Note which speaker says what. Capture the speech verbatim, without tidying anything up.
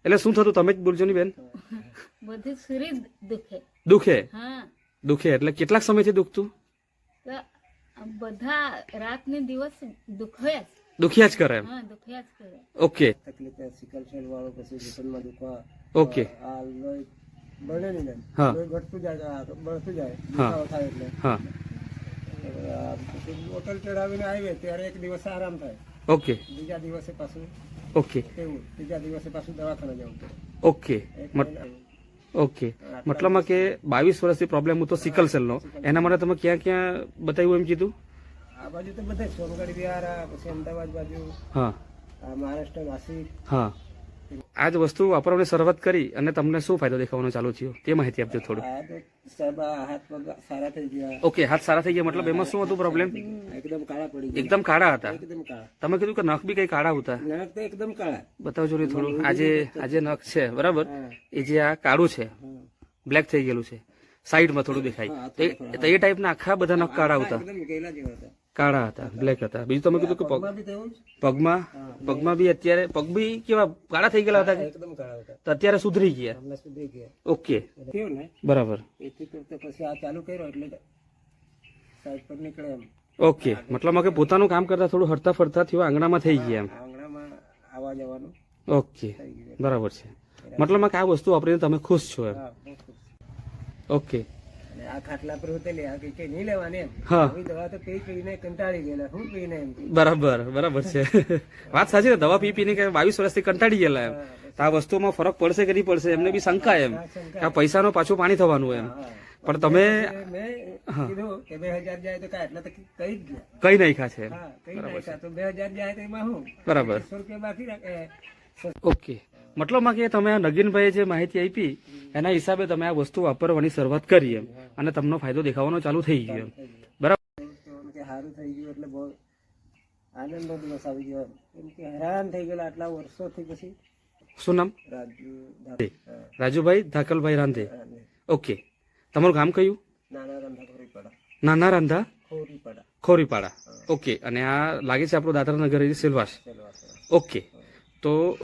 Speaker 1: એટલે શું થતું તમે જ બોલજો ની બેન?
Speaker 2: બધું શરીર દુખે.
Speaker 1: દુખે?
Speaker 2: હા,
Speaker 1: દુખે એટલે કેટલાક સમયથી દુખતું?
Speaker 2: તો બધા રાત ને દિવસ દુખ્યા જ.
Speaker 1: દુખ્યા જ કરે એમ?
Speaker 2: હા, દુખ્યા જ કરે.
Speaker 1: ઓકે
Speaker 3: તકલીફ સિકલ સેલ વાળો પછી ઘૂંટણમાં દુખવા
Speaker 1: ઓકે
Speaker 3: આ લોહી બળે નહીં ને
Speaker 1: હા.
Speaker 3: લોહી ઘટતું જાય આ બળતું જાય
Speaker 1: હા.
Speaker 3: દુખાવો થાય એટલે
Speaker 1: હા
Speaker 3: આ પછી બોટલ ચડાવીને આવીએ ત્યારે એક દિવસ આરામ થાય,
Speaker 1: ઓકે
Speaker 3: બીજા દિવસે પાછું
Speaker 1: ઓકે
Speaker 3: તેવું, ત્રીજા દિવસે પાછું દવાખાને જવું પડે.
Speaker 1: ઓકે
Speaker 3: એક
Speaker 1: મત-
Speaker 3: મહિના.
Speaker 1: ઓકે મતલબમાં કે બાવીસ વર્ષથી પ્રોબ્લેમ હતો સિકલ સેલનો, એના માટે તમે ક્યાં ક્યાં બતાવ્યું એમ કીધું?
Speaker 3: આ બાજુ તો બધા સોનગઢ વિહાર આ પછી અમદાવાદ બાજુ
Speaker 1: હા
Speaker 3: આ મહારાષ્ટ્ર નાસિક
Speaker 1: હા. આ જ વસ્તુ વાપરવાની શરૂઆત કરી અને તમને શું ફાયદો દેખાવાનો ચાલુ થયો તે માહિતી આપજો થોડું.
Speaker 3: આ તો સાહેબ આ હાથ પગ સારા થઈ ગયા,
Speaker 1: ઓકે હાથ સારા થઈ ગયા, મતલબ એમાં શું હતું પ્રોબ્લેમ?
Speaker 3: એકદમ કાળા પડી ગયા,
Speaker 1: એકદમ કાળા હતા.
Speaker 3: એકદમ કાળા.
Speaker 1: તમે કીધું કે નખ બી કઈ કાળા હતા.
Speaker 3: નખ તો એકદમ કાળા.
Speaker 1: બતાવજો ને થોડું. આજે આજે નખ છે બરાબર,
Speaker 3: હા.
Speaker 1: એ જે આ કાળું છે
Speaker 3: હા.
Speaker 1: બ્લેક થઈ ગયેલું છે, સાઈડમાં થોડું દેખાય.
Speaker 3: હા,
Speaker 1: તો એ- તો એ ટાઈપના આખા બધા નખ કાળા હતા.
Speaker 3: એકદમ ગયેલા જેવા હતા.
Speaker 1: કાળા હતા, બ્લેક હતા. બીજું તમે કીધું કે પગ
Speaker 3: પગમાં બી તેવું જ.
Speaker 1: પગમાં પગમાં બી અત્યારે પગ બી કેવા કાળા થઈ ગયેલા હતા કે?
Speaker 3: એકદમ કાળા હતા.
Speaker 1: તો અત્યારે સુધરી ગયા.
Speaker 3: હમણાં સુધી ગયા.
Speaker 1: ઓકે
Speaker 3: થયું ને
Speaker 1: બરાબર.
Speaker 3: એથી તો તો પછી આ ચાલુ કર્યો એટલે સાઈડ પર નીકળે એમ
Speaker 1: ઓકે મતલબ કે પોતાનું કામ કરતા થોડું હરતા ફરતા થયું, આંગણામાં થઈ ગયા એમ.
Speaker 3: આંગણામાં આવવા જવાનું
Speaker 1: ઓકે
Speaker 3: થઈ ગયું.
Speaker 1: બરાબર છે. મતલબ કે આ વસ્તુ વાપરીને તમે ખુશ છો એમ?
Speaker 3: હા, બહુ ખુશ.
Speaker 1: ઓકે
Speaker 3: અને આ ખાટલા પર ઉતરી આ કઈ નહીં લેવાની એમ.
Speaker 1: હા.
Speaker 3: આવી દવા તો પી પીને કંટાળી ગયેલા, હું પીને એમ.
Speaker 1: બરાબર બરાબર છે. વાત સાચી ને, દવા પી પીને કે બાવીસ વર્ષથી કંટાળી ગયેલા એમ. તો આ વસ્તુમાં ફરક પડશે કે નહીં પડશે એમને બી શંકા એમ કે આ પૈસાનું પાછું પાણી થવાનું એમ.
Speaker 3: હા.
Speaker 1: પણ તમે
Speaker 3: મેં કીધું કે બે હજાર જાય તો કાંઈ એટલા તો કહી જ ગયા.
Speaker 1: કઈ નાખ્યા છે એમ.
Speaker 3: હા, કહી નાખ્યા. તો બે હજાર જાય તો એમાં હું
Speaker 1: બરાબર.
Speaker 3: સો રૂપિયા બાકી રાખે.
Speaker 1: ઓકે મતલબમાં કે તમે આ નગીનભાઈએ જે માહિતી આપી એના હિસાબે તમે આ વસ્તુ વાપરવાની શરૂઆત કરી એમ, અને તમને ફાયદો દેખાવાનો ચાલુ થઈ ગયો એમ. બરાબર.
Speaker 3: કે સારું થઈ ગયું એટલે બહુ આનંદનો દિવસ આવી ગયો એમ કે હેરાન થઈ ગયેલા આટલા વર્ષોથી. પછી
Speaker 1: શું નામ?
Speaker 3: રાજુ
Speaker 1: રાજુભાઈ ધાકલભાઈ રાંધે. ઓકે તમારું ગામ કયું?
Speaker 3: નાના રંધા ખોરીપાડા.
Speaker 1: નાના રાંધા
Speaker 3: ખોરીપાડા
Speaker 1: ખોરીપાડા. ઓકે અને આ લાગે છે આપણું દાદરા નગર સિલવાસ.
Speaker 3: સેલવાસ.
Speaker 1: ઓકે તો